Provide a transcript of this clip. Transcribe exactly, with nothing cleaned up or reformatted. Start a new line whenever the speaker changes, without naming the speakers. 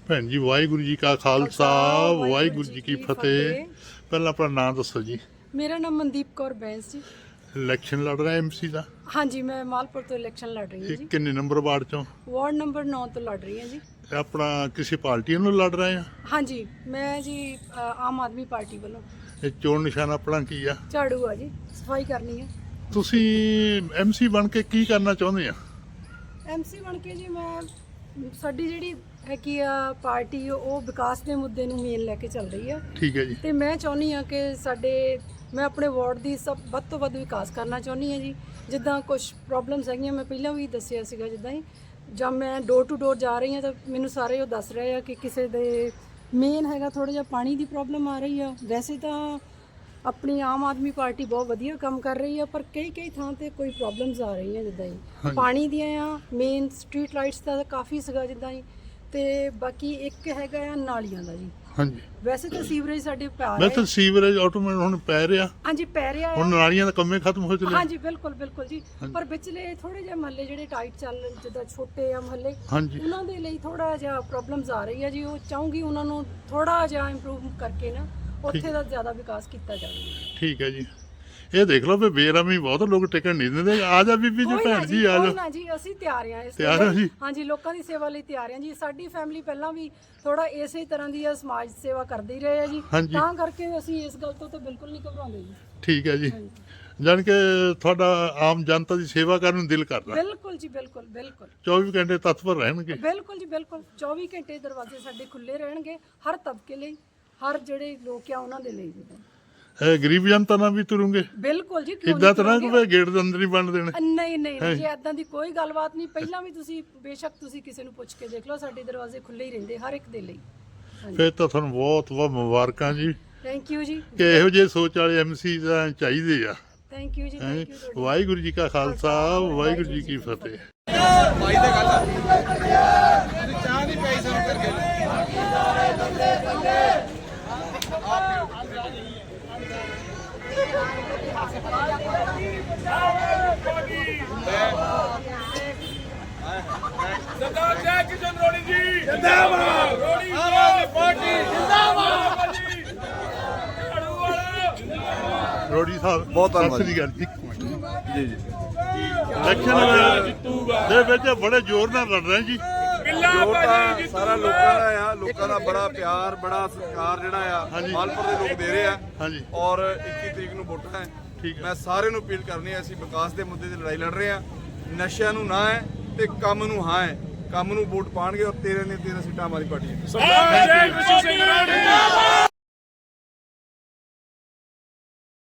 ਭੈਣ ਜੀ ਵਾਹਿਗੁਰੂ ਜੀ ਕਾ ਖਾਲਸਾ ਵਾਹਿਗੁਰੂ ਜੀ ਕੀ ਫਤਿਹ। ਪਹਿਲਾਂ ਆਪਣਾ ਨਾਮ ਦੱਸੋ ਜੀ।
ਮੇਰਾ ਨਾਮ ਮਨਦੀਪ ਕੌਰ ਬੈਂਸ ਜੀ।
ਇਲੈਕਸ਼ਨ ਲੜ ਰਿਹਾ ਐਮਸੀ ਦਾ?
ਹਾਂਜੀ, ਮੈਂ ਮਾਲਪੁਰ ਤੋਂ ਇਲੈਕਸ਼ਨ ਲੜ ਰਹੀ ਹਾਂ ਜੀ।
ਕਿੰਨੇ ਨੰਬਰ ਵਾਰਡ ਚੋਂ?
ਵਾਰਡ ਨੰਬਰ ਨੌ ਤੋਂ ਲੜ ਰਹੀ ਹਾਂ ਜੀ।
ਆਪਣਾ ਕਿਸੇ ਪਾਰਟੀ ਨੂੰ ਲੜ ਰਹੇ ਆ?
ਹਾਂਜੀ, ਮੈਂ ਜੀ ਅ, ਆਮ ਆਦਮੀ ਪਾਰਟੀ ਵੱਲੋਂ।
ਇਹ ਚੋਣ ਨਿਸ਼ਾਨ ਆਪਣਾ ਕੀ ਆ?
ਝਾੜੂ ਆ ਜੀ, ਸਫਾਈ ਕਰਨੀ ਹੈ।
ਤੁਸੀਂ ਐਮਸੀ ਬਣ ਕੇ ਕੀ ਕਰਨਾ ਚਾਹੁੰਦੇ ਆ?
ਐਮਸੀ ਬਣ ਕੇ ਜੀ ਮੈਂ ਸਾਡੀ ਜਿਹੜੀ ਹੈਗੀ ਆ ਪਾਰਟੀ ਉਹ ਵਿਕਾਸ ਦੇ ਮੁੱਦੇ ਨੂੰ ਮੇਨ ਲੈ ਕੇ ਚੱਲ ਰਹੀ ਆ।
ਠੀਕ ਹੈ ਜੀ।
ਤੇ ਮੈਂ ਚਾਹੁੰਦੀ ਆ ਕਿ ਸਾਡੇ ਮੈਂ ਆਪਣੇ ਵਾਰਡ ਦੀ ਸਭ ਵੱਧ ਤੋਂ ਵੱਧ ਵਿਕਾਸ ਕਰਨਾ ਚਾਹੁੰਦੀ ਹਾਂ ਜੀ। ਜਿੱਦਾਂ ਕੁਝ ਪ੍ਰੋਬਲਮਸ ਹੈਗੀਆਂ, ਮੈਂ ਪਹਿਲਾਂ ਵੀ ਦੱਸਿਆ ਸੀਗਾ, ਜਿੱਦਾਂ ਹੀ ਜਦ ਮੈਂ ਡੋਰ ਟੂ ਡੋਰ ਜਾ ਰਹੀ ਹਾਂ ਤਾਂ ਮੈਨੂੰ ਸਾਰੇ ਉਹ ਦੱਸ ਰਹੇ ਆ ਕਿ ਕਿਸੇ ਦੇ ਮੇਨ ਹੈਗਾ ਥੋੜ੍ਹਾ ਜਿਹਾ ਪਾਣੀ ਦੀ ਪ੍ਰੋਬਲਮ ਆ ਰਹੀ ਆ। ਵੈਸੇ ਤਾਂ ਆਪਣੀ ਆਮ ਆਦਮੀ ਪਾਰਟੀ ਬਹੁਤ ਵਧੀਆ ਕੰਮ ਕਰ ਰਹੀ ਆ, ਪਰ ਕਈ ਕਈ ਥਾਂ ਤੇ ਕੋਈ ਪ੍ਰੋਬਲਮਸ ਆ ਰਹੀਆਂ, ਜਿੱਦਾਂ ਹੀ ਪਾਣੀ ਦੀਆਂ ਆ, ਮੇਨ ਸਟਰੀਟ ਲਾਈਟਸ ਦਾ ਕਾਫੀ ਸੀਗਾ ਜਿੱਦਾਂ ਹੀ, ਤੇ ਬਾਕੀ ਇੱਕ ਹੈਗਾ ਆ ਨਾਲੀਆਂ ਦਾ ਜੀ।
ਹਾਂਜੀ,
ਵੈਸੇ ਤਾਂ ਸੀਵਰੇਜ ਸਾਡੇ ਪੈ
ਮੈਂ
ਰਿਹਾ
ਤਾਂ ਸੀਵਰੇਜ ਆਟੋਮੈਟਿਕ ਹੁਣ ਪੈ ਰਿਹਾ।
ਹਾਂਜੀ, ਪੈ ਰਿਹਾ
ਹੁਣ ਨਾਲੀਆਂ ਦਾ ਕੰਮੇ ਖਤਮ ਹੋ ਚੁੱਕਿਆ।
ਹਾਂਜੀ, ਬਿਲਕੁਲ ਬਿਲਕੁਲ ਜੀ। ਪਰ ਵਿਚਲੇ ਥੋੜੇ ਜਿਹੇ ਮਹੱਲੇ ਜਿਹੜੇ ਟਾਈਟ ਚੱਲ, ਜਿੱਦਾਂ ਛੋਟੇ ਆ ਮਹੱਲੇ,
ਹਾਂਜੀ,
ਉਹਨਾਂ ਦੇ ਲਈ ਥੋੜਾ ਜਿਹਾ ਪ੍ਰੋਬਲਮਸ ਆ ਰਹੀ ਆ ਜੀ। ਉਹ ਚਾਹੂੰਗੀ ਉਹਨਾਂ ਨੂੰ ਥੋੜਾ ਜਿਹਾ ਇੰਪਰੂਵ ਕਰਕੇ ਨਾ ਉੱਥੇ ਦਾ ਜ਼ਿਆਦਾ ਵਿਕਾਸ ਕੀਤਾ ਜਾਵੇ।
ਠੀਕ ਹੈ ਜੀ। ਇਹ ਦੇਖ ਲਓ ਵੀ ਬੇਰਾਮੀ ਬਹੁਤ ਲੋਕ ਟਿਕਣ ਨਹੀਂ ਦਿੰਦੇ। ਆ ਜਾ ਬੀਬੀ ਜੀ, ਭੈਣ ਜੀ ਆ ਜਾ।
ਨਾ ਜੀ, ਅਸੀਂ ਤਿਆਰ ਆ ਇਸ
ਤਿਆਰ ਹੋ ਜੀ?
ਹਾਂਜੀ, ਲੋਕਾਂ ਦੀ ਸੇਵਾ ਲਈ ਤਿਆਰ ਆ ਜੀ। ਸਾਡੀ ਫੈਮਿਲੀ ਪਹਿਲਾਂ ਵੀ ਥੋੜਾ ਇਸੇ ਤਰ੍ਹਾਂ ਦੀ ਆ, ਸਮਾਜ ਸੇਵਾ ਕਰਦੇ ਹੀ ਰਹੇ ਆ ਜੀ, ਤਾਂ ਕਰਕੇ ਅਸੀਂ ਇਸ ਗੱਲ ਤੋਂ ਤਾਂ ਬਿਲਕੁਲ ਨਹੀਂ ਘਬਰਾਉਂਦੇ ਜੀ।
ਠੀਕ ਹੈ ਜੀ। ਜਾਣ ਕੇ ਤੁਹਾਡਾ ਆਮ ਜਨਤਾ ਦੀ ਸੇਵਾ ਕਰਨ ਨੂੰ ਦਿਲ ਕਰਦਾ?
ਬਿਲਕੁਲ ਜੀ, ਬਿਲਕੁਲ ਬਿਲਕੁਲ।
ਚੌਵੀ ਘੰਟੇ ਤਤਪਰ ਰਹਿਣਗੇ?
ਬਿਲਕੁਲ ਜੀ, ਬਿਲਕੁਲ। ਚੌਵੀ ਘੰਟੇ ਦਰਵਾਜ਼ੇ ਸਾਡੇ ਖੁੱਲੇ ਰਹਿਣਗੇ, ਹਰ ਤਬਕੇ ਲਈ, ਹਰ ਜਿਹੜੇ ਲੋਕ ਆ ਉਹਨਾਂ ਦੇ ਲਈ।
ਇਹ ਗਰੀਬ ਜਨਤਾ ਨਾਲ ਵੀ ਤੁਰੂਗੇ?
ਬਿਲਕੁਲ ਜੀ।
ਕਿੱਦਾਂ ਤਰ੍ਹਾਂ ਕੋਈ ਗੇਟ ਦੇ ਅੰਦਰ ਹੀ ਬੰਨ ਦੇਣਾ?
ਨਹੀਂ ਨਹੀਂ ਜੀ, ਏਦਾਂ ਦੀ ਕੋਈ ਗੱਲਬਾਤ ਨਹੀਂ। ਪਹਿਲਾਂ ਵੀ ਤੁਸੀਂ ਬੇਸ਼ੱਕ ਤੁਸੀਂ ਕਿਸੇ ਨੂੰ ਪੁੱਛ ਕੇ ਦੇਖ ਲਓ, ਸਾਡੇ ਦਰਵਾਜ਼ੇ ਖੁੱਲੇ ਹੀ ਰਹਿੰਦੇ ਹਰ ਇੱਕ ਦੇ ਲਈ।
ਫਿਰ ਤਾਂ ਤੁਹਾਨੂੰ ਬਹੁਤ ਬਹੁਤ ਮੁਬਾਰਕਾਂ ਜੀ।
ਥੈਂਕ ਯੂ ਜੀ।
ਕਿ ਇਹੋ ਜਿਹੇ ਸੋਚ ਵਾਲੇ ਐਮਸੀ ਤਾਂ ਚਾਹੀਦੇ ਆ।
Thank you ji, thank you.
Waheguru ji ਕਾ ਖਾਲਸਾ ਵਾਹਿਗੁਰੂ ਜੀ ਕੀ ਫਤਿਹ।
ਭਾਈ ਤੇ ਗੱਲ ਆ ਤੁਸੀਂ ਚਾਹ ਨਹੀਂ ਪਈ ਸਾਨੂੰ ਕਰਕੇ ਸਰਦਾਰ ਜੈ ਕਿਸ਼ਨ ਰੋੜੀ ਜੀ ਜਿੰਦਾਬਾਦ। ਰੋੜੀ ਪਾਰਟੀ ਜਿੰਦਾਬਾਦ ਜੀ। ਝਾੜੂ ਵਾਲਾ
ਰੋੜੀ ਸਾਹਿਬ
ਬਹੁਤ ਧੰਨਵਾਦ
ਜੀ। ਗੱਲ ਇੱਕ ਮਿੰਟ
ਜੀ ਜੀ।
ਇਲੈਕਸ਼ਨ ਦੇ ਵਿੱਚ ਬੜੇ ਜ਼ੋਰ ਨਾਲ ਲੜ ਰਹੇ ਜੀ।
ਜੋਰ ਤਾਂ ਸਾਰਾ ਲੋਕਾਂ ਦਾ ਆ, ਲੋਕਾਂ ਦਾ ਬੜਾ ਪਿਆਰ, ਬੜਾ ਸਤਿਕਾਰ ਜਿਹੜਾ ਆ ਮਾਲਪੁਰ ਦੇ ਲੋਕ ਦੇ ਰਹੇ ਆ।
ਹਾਂਜੀ।
ਔਰ ਇੱਕੀ ਤਰੀਕ ਨੂੰ ਵੋਟਾਂ ਹੈ।
ਠੀਕ ਹੈ।
ਮੈਂ ਸਾਰਿਆਂ ਨੂੰ ਅਪੀਲ ਕਰਨੀ ਹੈ, ਅਸੀਂ ਵਿਕਾਸ ਦੇ ਮੁੱਦੇ ਤੇ ਲੜਾਈ ਲੜ ਰਹੇ ਆ। ਨਸ਼ਿਆਂ ਨੂੰ ਨਾ ਹੈ ਤੇ ਕੰਮ ਨੂੰ ਹਾਂ ਹੈ। ਕੰਮ ਨੂੰ ਵੋਟ ਪਾਣਗੇ ਔਰ ਤੇਰਾਂ ਨੇ ਤੇਰਾਂ ਸੀਟਾਂ ਹਮਾਰੀ ਪਾਰਟੀ ਹੈ।